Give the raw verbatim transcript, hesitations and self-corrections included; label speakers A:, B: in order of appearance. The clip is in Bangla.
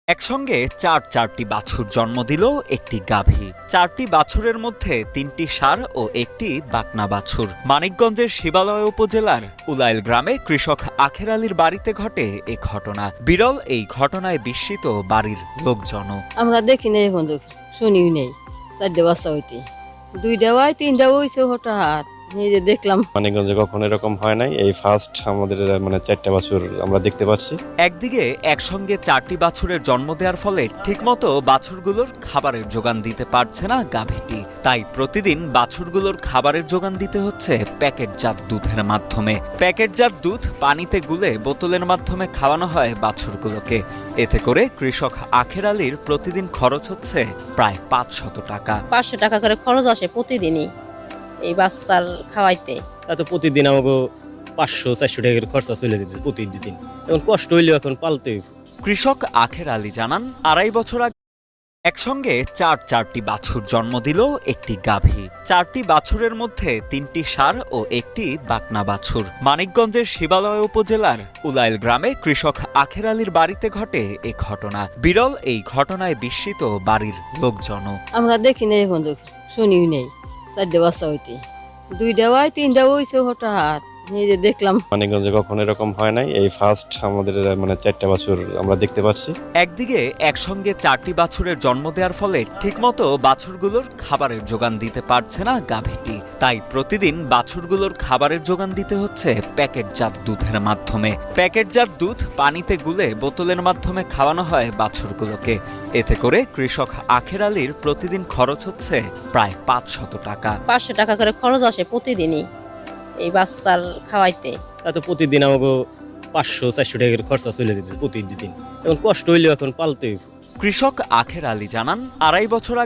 A: একসঙ্গে চার চারটি বাছুর জন্ম দিল একটি গাভী। চারটি বাছুরের মধ্যে তিনটি ষাঁড় ও একটি বাকনা বাছুর। মানিকগঞ্জের শিবালয় উপজেলার উলাইল গ্রামে কৃষক আখের আলীর বাড়িতে ঘটে এ ঘটনা। বিরল এই ঘটনায় বিস্মিত বাড়ির লোকজনও।
B: আমরা দেখি নেই বন্ধু, শুনিও নেই। চারটে বাচ্চা হইতে দুইটা হয় তিনটা হয়েছে হঠাৎ নিজে দেখলাম।
C: মানিকগঞ্জে কখনো এরকম হয় নাই, এই ফার্স্ট আমাদের মানে চারটা বাছুর আমরা দেখতে পাচ্ছি।
A: একদিকে একসঙ্গে চারটি বাছুরের জন্ম দেওয়ার ফলে ঠিকমতো বাছুরগুলোর খাবারের যোগান দিতে পারছে না গাভীটি। তাই প্রতিদিন বাছুরগুলোর খাবারের যোগান দিতে হচ্ছে প্যাকেটজাত দুধের মাধ্যমে। প্যাকেটজাত দুধ পানিতে গুলে বোতলের মাধ্যমে খাওয়ানো হয় বাছুরগুলোকে। এতে করে কৃষক আখের আলীর প্রতিদিন খরচ হচ্ছে প্রায় পাঁচশত টাকা।
B: পাঁচশো টাকা করে খরচ আসে প্রতিদিনই এই বাচ্চার খাওয়াইতে।
D: এত প্রতিদিন আমাকে পাঁচশো চারশো টাকার খরচা চলে যেতে প্রতিদিন। এখন কষ্ট হইলেও এখন পালতে হইব।
A: কৃষক আখের আলী জানান, আড়াই বছর আগে একসঙ্গে চার চারটি বাছুর জন্ম দিল একটি গাভী। চারটি বাছুরের মধ্যে তিনটি ষাঁড় ও একটি বাকনা বাছুর। মানিকগঞ্জের শিবালয় উপজেলার উলাইল গ্রামে কৃষক আখের আলীর বাড়িতে ঘটে এ ঘটনা। বিরল এই ঘটনায় বিস্মিত বাড়ির লোকজনও।
B: আমরা দেখি নেই বন্ধু, শুনিও নেই। চারটে বাচ্চা হইতে দুইটা হয় তিনটা হয়েছে হঠাৎ নিজে দেখলাম।
C: মানিকগঞ্জে কখনো এরকম হয় নাই, এই ফার্স্ট আমাদের মানে চারটা বাছুর আমরা দেখতে পাচ্ছি।
A: একদিকে একসঙ্গে চারটি বাছুরের জন্ম দেওয়ার ফলে ঠিকমতো বাছুরগুলোর খাবারের যোগান দিতে পারছে না গাভীটি। তাই প্রতিদিন বাছুরগুলোর খাবারের যোগান দিতে হচ্ছে প্যাকেটজাত দুধের মাধ্যমে। প্যাকেটজাত দুধ পানিতে গুলে বোতলের মাধ্যমে খাওয়ানো হয় বাছুরগুলোকে। এতে করে কৃষক আখের আলীর প্রতিদিন খরচ হচ্ছে প্রায় পাঁচশত টাকা।
B: পাঁচশো টাকা করে খরচ আসে প্রতিদিনই এই বাচ্চার খাওয়াইতে।
D: এত প্রতিদিন আমাকে পাঁচশো চারশো টাকার খরচা চলে যেতে প্রতিদিন। এখন কষ্ট হইলেও এখন পালতে হইব।
A: কৃষক আখের আলী জানান, আড়াই বছর আগে